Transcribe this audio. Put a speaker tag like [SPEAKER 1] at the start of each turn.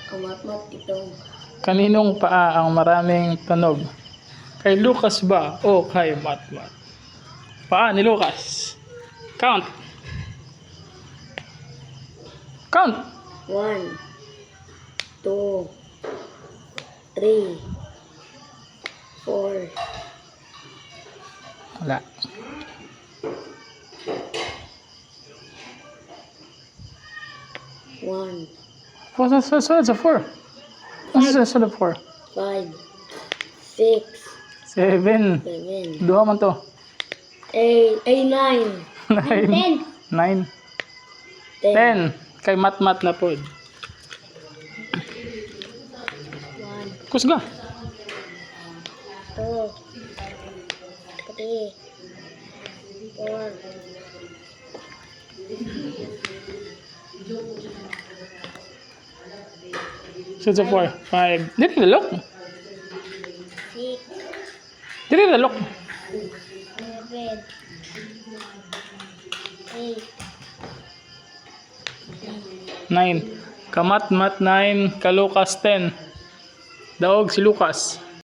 [SPEAKER 1] Ang matmat itong
[SPEAKER 2] Kaninong paa ang maraming tunog? Kay Lucas ba o kay Matmat? Paa ni Lucas. Count. Count.
[SPEAKER 1] 1, 2, 3, 4,
[SPEAKER 2] Wala.
[SPEAKER 1] 1,
[SPEAKER 2] Sunod sa 4. Ano sa sunod 4?
[SPEAKER 1] 5, 6,
[SPEAKER 2] 7.
[SPEAKER 1] 7,
[SPEAKER 2] Duha man to.
[SPEAKER 1] 8, 9,
[SPEAKER 2] 9. 9.
[SPEAKER 1] 10,
[SPEAKER 2] 10. Kay Matmat na po.
[SPEAKER 1] 1,
[SPEAKER 2] Kusga.
[SPEAKER 1] 2, 3, 4,
[SPEAKER 2] Sunod sa 4. 5. Dili lalok.
[SPEAKER 1] 6,
[SPEAKER 2] Dili lalok.
[SPEAKER 1] 7, 8,
[SPEAKER 2] 9. Kamatmat 9. Kalukas 10. Daog si Lucas.